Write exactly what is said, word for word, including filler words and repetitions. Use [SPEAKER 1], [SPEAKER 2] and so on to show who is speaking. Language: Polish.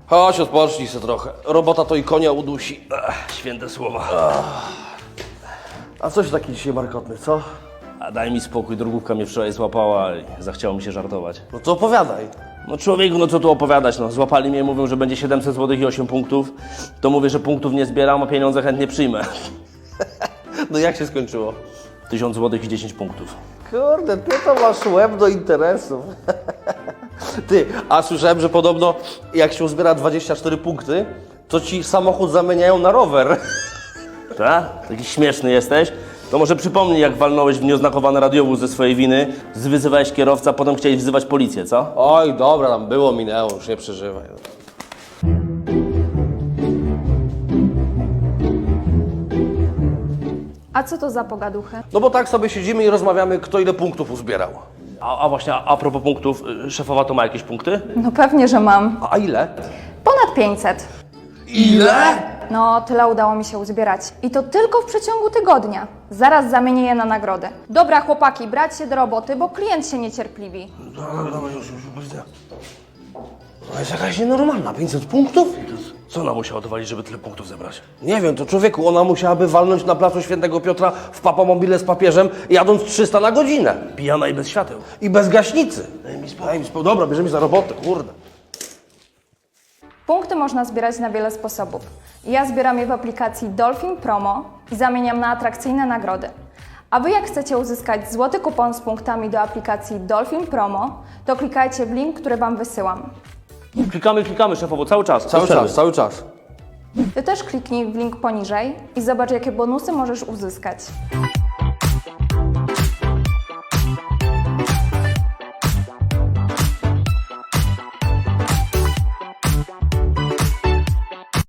[SPEAKER 1] Chodź, odpocznij się trochę. Robota to i konia udusi.
[SPEAKER 2] Ach, święte słowa.
[SPEAKER 1] A coś taki dzisiaj markotny, co?
[SPEAKER 2] A daj mi spokój, drogówka mnie wczoraj złapała i zachciało mi się żartować.
[SPEAKER 1] No to opowiadaj.
[SPEAKER 2] No człowieku, no co tu opowiadać, no. Złapali mnie, mówią, że będzie siedemset złotych i osiem punktów. To mówię, że punktów nie zbieram, a pieniądze chętnie przyjmę.
[SPEAKER 1] No jak się skończyło?
[SPEAKER 2] tysiąc złotych i dziesięć punktów.
[SPEAKER 1] Kurde, ty to masz łeb do interesów. Ty, a słyszałem, że podobno jak się uzbiera dwadzieścia cztery punkty, to ci samochód zamieniają na rower.
[SPEAKER 2] Tak? Taki śmieszny jesteś? To może przypomnij, jak walnąłeś w nieoznakowany radiowóz ze swojej winy, zwyzywałeś kierowcę, a potem chciałeś wzywać policję, co?
[SPEAKER 1] Oj, dobra, tam było, minęło, już nie przeżywaj.
[SPEAKER 3] A co to za pogaduchy?
[SPEAKER 1] No bo tak sobie siedzimy i rozmawiamy, kto ile punktów uzbierał.
[SPEAKER 2] A, a właśnie, a, a propos punktów, y, szefowa to ma jakieś punkty?
[SPEAKER 3] No pewnie, że mam.
[SPEAKER 1] A ile?
[SPEAKER 3] Ponad pięćset.
[SPEAKER 1] Ile?
[SPEAKER 3] No, tyle udało mi się uzbierać. I to tylko w przeciągu tygodnia. Zaraz zamienię je na nagrody. Dobra, chłopaki, brać się do roboty, bo klient się niecierpliwi.
[SPEAKER 1] Dobra, dobra, już, już, widzę. To jest jakaś nienormalna, pięćset punktów?
[SPEAKER 2] Co ona musiała dowalić, żeby tyle punktów zebrać?
[SPEAKER 1] Nie wiem, to człowieku, ona musiałaby walnąć na placu Świętego Piotra w papamobile z papieżem, jadąc trzysta na godzinę.
[SPEAKER 2] Pijana i bez świateł.
[SPEAKER 1] I bez gaśnicy. Daj mi spokój. Daj mi spokój. Dobra, bierzemy się za robotę, kurde.
[SPEAKER 3] Punkty można zbierać na wiele sposobów. Ja zbieram je w aplikacji Dolphin Promo i zamieniam na atrakcyjne nagrody. A Wy jak chcecie uzyskać złoty kupon z punktami do aplikacji Dolphin Promo, to klikajcie w link, który Wam wysyłam.
[SPEAKER 2] Klikamy, klikamy, szefowo, cały czas.
[SPEAKER 1] Cały
[SPEAKER 2] bez przerwy.
[SPEAKER 1] czas, cały czas.
[SPEAKER 3] Ty też kliknij w link poniżej i zobacz, jakie bonusy możesz uzyskać.